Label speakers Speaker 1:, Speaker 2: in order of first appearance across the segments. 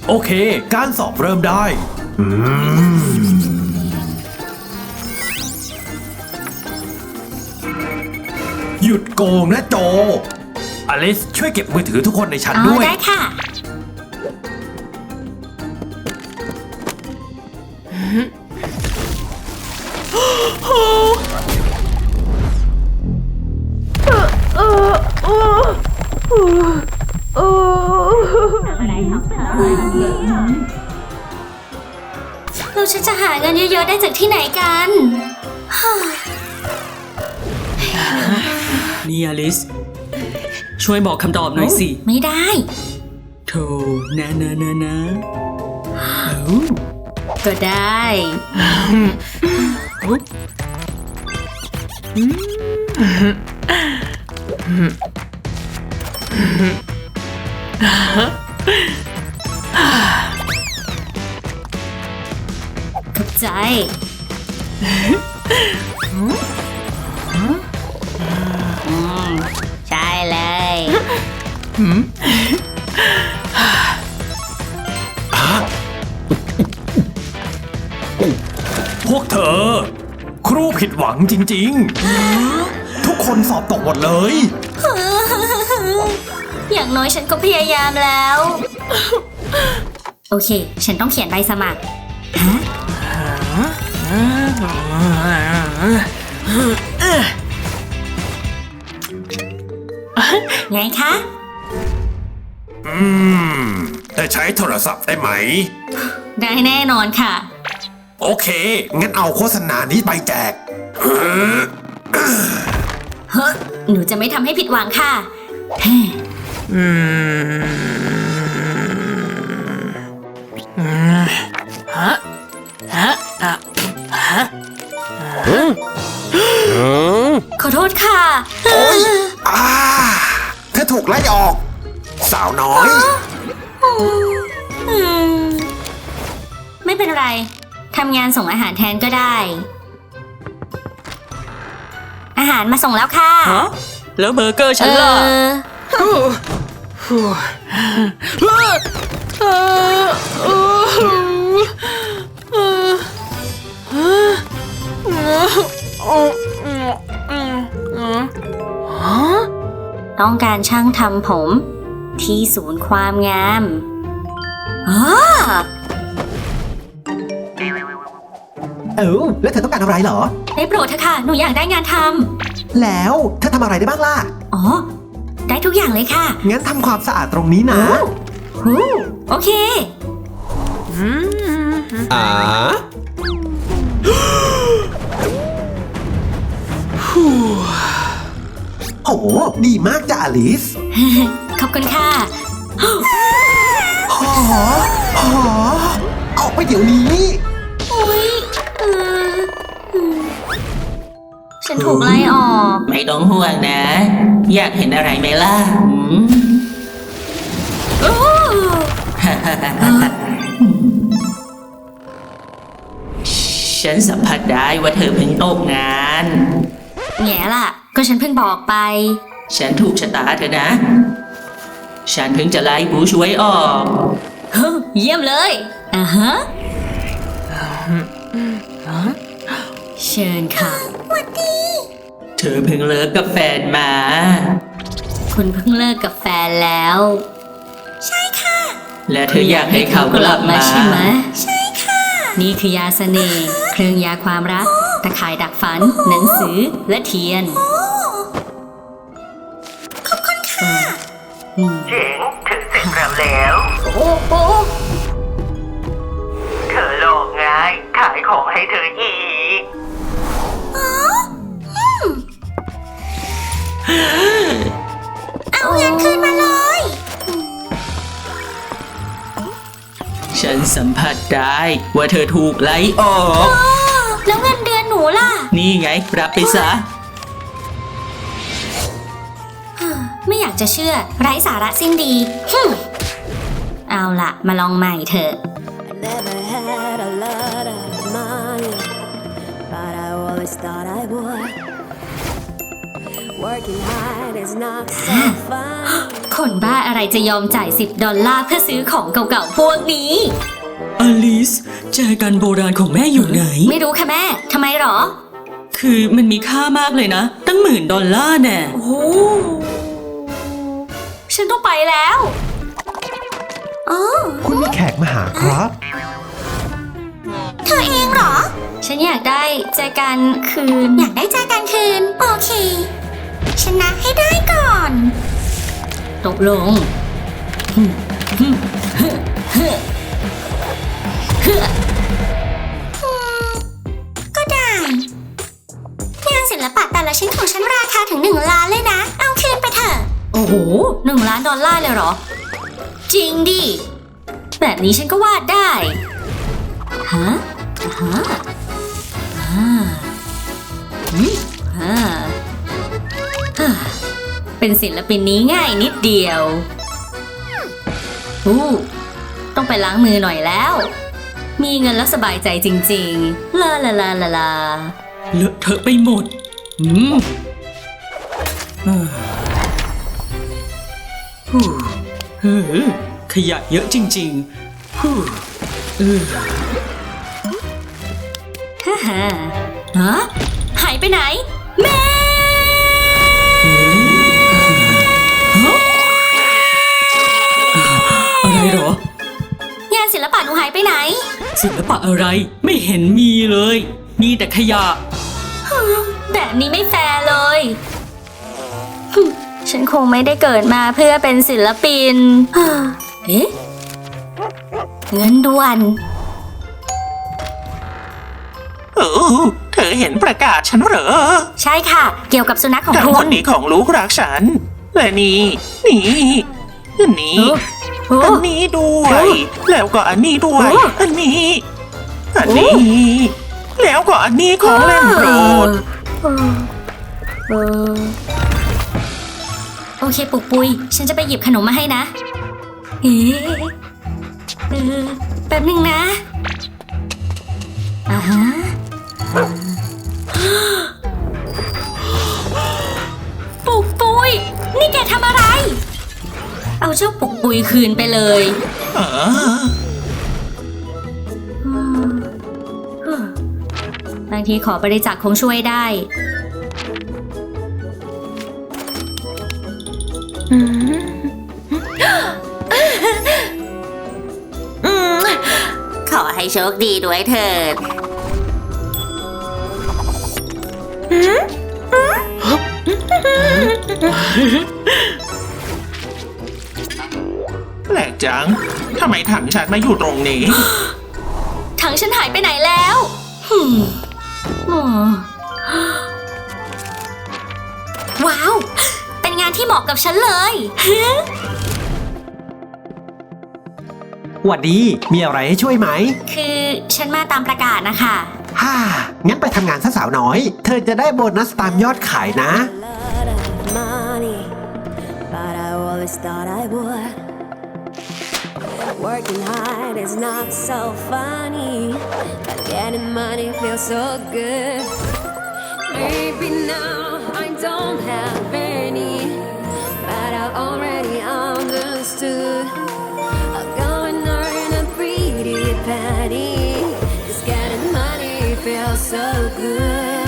Speaker 1: โอเคการสอบเริ่มได้หยุดโกงนะโจอลิสช่วยเก็บมือถือทุกคนในชั้นด้วย
Speaker 2: ได้ค่ะเราจะหาเงินเยอะๆได้จากที่ไหนกัน
Speaker 3: นี่อลิสช่วยบอกคำตอบหน่อยสิ
Speaker 2: ไม่ได้
Speaker 3: โธ่นะ
Speaker 2: ก็ได้ขอบใจใช่เลย
Speaker 1: พวกเธอครูผิดหวังจริงๆทุกคนสอบตกหมดเลย
Speaker 2: อย่างน้อยฉันก็พยายามแล้วโอเคฉันต้องเขียนใบสมัครไงคะ
Speaker 1: แต่ใช้โทรศัพท์ได้ไหม
Speaker 2: ได้แน่นอนค่ะ
Speaker 1: โอเคงั้นเอาโฆษณานี้ไปแจก
Speaker 2: หนูจะไม่ทำให้ผิดหวังค่ะขอโทษค่ะ
Speaker 1: โอ๊ยเธอถูกไล่ออกสาวน้อย
Speaker 2: ไม่เป็นไรทำงานส่งอาหารแทนก็ได้อาหารมาส่งแล้วค่ะ
Speaker 3: แล้วเบอร์เกอร์ฉันล่ะ
Speaker 2: ต้องการช่างทำผมที่ศูนย์ความงาม
Speaker 4: แล้วเธอต้องการอะไรเหรอ
Speaker 2: ได้โปรดเถอะค่ะหนูอยากได้งานท
Speaker 4: ำแล้วเธอทำอะไรได้บ้างล่ะ
Speaker 2: ได้ทุกอย่างเลยค่ะ
Speaker 4: งั้นทำความสะอาดตรงนี้นะ
Speaker 2: โอเค
Speaker 4: โอ้ดีมากจ้ะอลิส
Speaker 2: ขอบคุณค่ะ
Speaker 4: ออกไปเดี๋ยวนี้
Speaker 2: ฉันถูกไล่ออก
Speaker 3: ไม่ต้องห่วงนะอยากเห็นอะไรไหมล่ะฉันสัมผัสได้ว่าเธอเพิ่งตกงาน
Speaker 2: แง่ล่ะก็ฉันเพิ่งบอกไป
Speaker 3: ฉันถูกชะตาเธอนะฉันเพิ่งจะไล่ผู้ช่วยออก
Speaker 2: เยี่ยมเลยเชิญค่ะสวัสดี
Speaker 3: เธอเพิ่งเลิกกับแฟนมา
Speaker 2: คุณเพิ่งเลิกกับแฟนแล้วใช่ค่ะ
Speaker 3: และเธออยากให้เขากลับมา
Speaker 2: ใช่ไหมใช่ค่ะนี่คือยาเสน่ห์เครื่องยาความรักตะข่ายดักฝันหนังสือและเทียนขอบคุณค่ะ
Speaker 5: เจ๋งถึงเสร็จแล้วเธอหลอกง่ายขายของให้เธออีก
Speaker 2: เอาเงินคืนมาเลย
Speaker 3: ฉันสัมผัสได้ว่าเธอถูกไล่ออก
Speaker 2: แล้วเงินเดือนหนูล่ะ
Speaker 3: นี่ไงรับไปซะ
Speaker 2: ไม่อยากจะเชื่อไร้สาระสิ้นดีเอาล่ะมาลองใหม่เถอะ
Speaker 6: But I always thought I would Working hard is not so fun.
Speaker 2: คนบ้าอะไรจะยอมจ่าย$10เพื่อซื้อของเก่าๆพวกนี้
Speaker 3: อลิสแจกันโบราณของแม่อยู่ไหน
Speaker 2: ไม่รู้ค่ะแม่ ทำไมหรอ
Speaker 3: คือมันมีค่ามากเลยนะ ตั้ง$10,000แน่
Speaker 2: โอ้ฉันต้องไปแล้ว
Speaker 4: คุณมีแขกมาหาครับ
Speaker 2: เธอเองเหรอ ฉันอยากได้แจกันคืน อยากได้แจกันคืน โอเค ชนะให้ได้ก่อน ตกลง ก็ได้งานศิลปะแต่ละชิ้นของฉันราคาถึง1 ล้านเลยนะ เอาคืนไปเถอะ โอ้โห$1 ล้านเลยเหรอ จริงดิ แบบนี้ฉันก็วาดได้ ฮะเป็นศิลปินนี้ง่ายนิดเดียวต้องไปล้างมือหน่อยแล้ว มีเงินแล้วสบายใจจริงๆ ลา
Speaker 3: เลอะเทอะไปหมดขยะเยอะจริงๆ
Speaker 2: ฮะหายไปไหน แม่
Speaker 3: อะไรเหรอ
Speaker 2: งานศิลปะหนูหายไปไหน
Speaker 3: ศิลปะอะไรไม่เห็นมีเลย มีแต่ขยะ
Speaker 2: แบบนี้ไม่แฟร์เลย ฉันคงไม่ได้เกิดมาเพื่อเป็นศิลปิน เอ๊ะ เงินด่วน
Speaker 5: เธอเห็นประกาศฉันเหรอ
Speaker 2: ใช่ค่ะ เกี่ยวกับสุนัขของ
Speaker 5: ทั้ง
Speaker 2: คุ
Speaker 5: หม
Speaker 2: ณ
Speaker 5: ดนี้ของลูกรักฉัน และนี่อันนี้ด้วย แล้วก็อันนี้ด้วย อันนี้ แล้วก็อันนี้ของเล่นโปรด
Speaker 2: โอเคปุกปุย ฉันจะไปหยิบขนมมาให้นะ เอ๊ะแป๊บนึงนะฮะปุกปุย นี่แกทำอะไร เอาเจ้าปุกปุยคืนไปเลยบางทีขอบริจาคคงช่วยได้
Speaker 6: ขอให้โชคดีด้วยเถิด
Speaker 5: แปลกจัง ทำไมถังฉันมาอยู่ตรงนี้
Speaker 2: ถังฉันหายไปไหนแล้วว้าว เป็นงานที่เหมาะกับฉันเลย
Speaker 4: หวัดดี มีอะไรให้ช่วยไหม
Speaker 2: คือฉันมาตามประกาศนะคะ
Speaker 4: งั้นไปทำงานซะสาวน้อย เธอจะได้โบนัสตามยอดขายนะ
Speaker 6: Lot of money, but I always thought I would. Working hard is not so funny, but getting money feels so good. Maybe now I don't have any, but I already understood. I'll go and earn a pretty penny. Just getting money feels so good.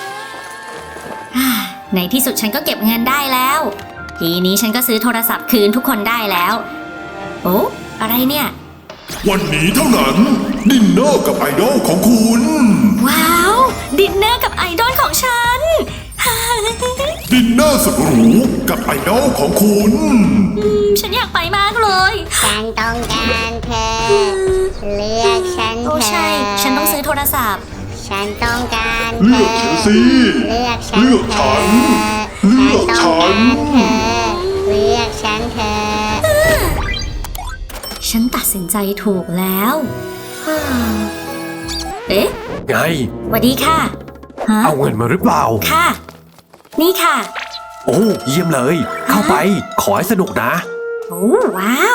Speaker 2: ในที่สุดฉันก็เก็บเงินได้แล้ว ทีนี้ฉันก็ซื้อโทรศัพท์คืนทุกคนได้แล้ว โอ้อะไรเนี่ย
Speaker 7: วันนี้เท่านั้น ดินเนอร์กับไอดอลของคุณ
Speaker 2: ว้าว ดินเนอร์กับไอดอลของฉัน
Speaker 7: ดินเนอร์สุดหรูกับไอดอลของคุณ
Speaker 2: ฉันอยากไปมากเลย
Speaker 8: ฉันต้องการเธอ เลือกฉันเถ
Speaker 2: โอ้
Speaker 8: อะ
Speaker 2: ใช่ ฉันต้องซื้อโทรศัพท์
Speaker 8: ฉันต้องการเธ
Speaker 7: เลื
Speaker 8: อ
Speaker 7: อกฉันสิ
Speaker 8: เลือกฉัน
Speaker 7: เลือกฉัน เลือกฉัน
Speaker 8: เลือกฉันเธอ
Speaker 2: ฉันตัดสินใจถูกแล้ว เอ๊ะ
Speaker 1: ไง
Speaker 2: สวัสดีค่ะ ฮะ
Speaker 1: เอาเงินมาหรือเปล่า
Speaker 2: ค่ะ นี่ค่ะ
Speaker 1: โอ้เยี่ยมเลย เข้าไป ขอให้สนุกนะ
Speaker 2: โอ้ว้าว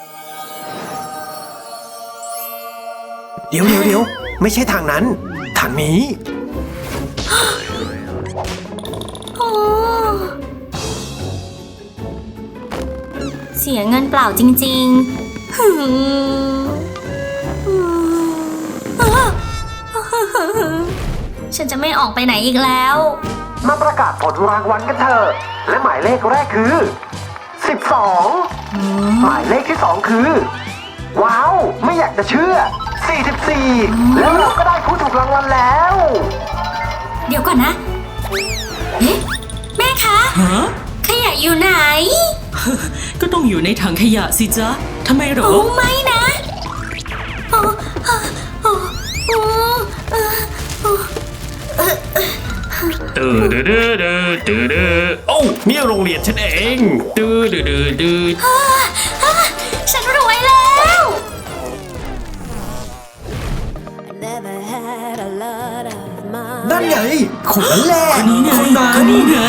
Speaker 4: เดี๋ยว ไม่ใช่ทางนั้น ทางนี้
Speaker 2: โอ้เสียเงินเปล่าจริงๆหืมฉันจะไม่ออกไปไหนอีกแล้ว
Speaker 4: มาประกาศผลรางวัลกันเถอะ และหมายเลขแรกคือ 12 หมายเลขที่ 2 คือ ว้าว ไม่อยากจะเชื่อ 44 แล้วเราก็ได้ผู้ถูกรางวัลแล้ว
Speaker 2: เดี๋ยวก่อนนะ เอ๊ะ แม่คะ
Speaker 3: ฮะ
Speaker 2: ขยะอยู่ไหน
Speaker 3: ก็ต้องอยู่ในถังขยะสิจ๊ะทำไมเหรอ
Speaker 2: โอ้ไม่นะโอ้โอ้โอ้โอ้เออ
Speaker 1: ตื้อดื้อดื้อดื้อดื้อดื้อโอ้านี่โรงเรียนฉันเองดื้อดื้อดื้อดื้อ
Speaker 2: ฉันรวยแล้ว
Speaker 6: Never had a lot of money.
Speaker 4: นั่นไงคนนั้นแหละ
Speaker 3: คนนี้ไง
Speaker 4: คนนั้น
Speaker 3: คนนี้ไง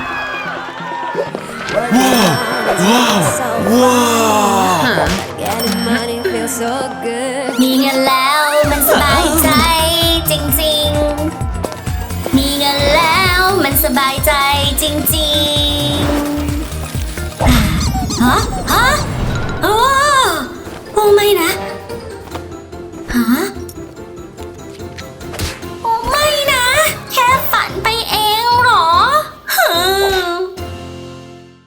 Speaker 6: Getting money feels so good.
Speaker 2: มีเงินแล้วมันสบายใจจริงๆ มีเงินแล้วมันสบายใจจริงๆ ฮะ ฮะ โอ้โอ้ไม่นะ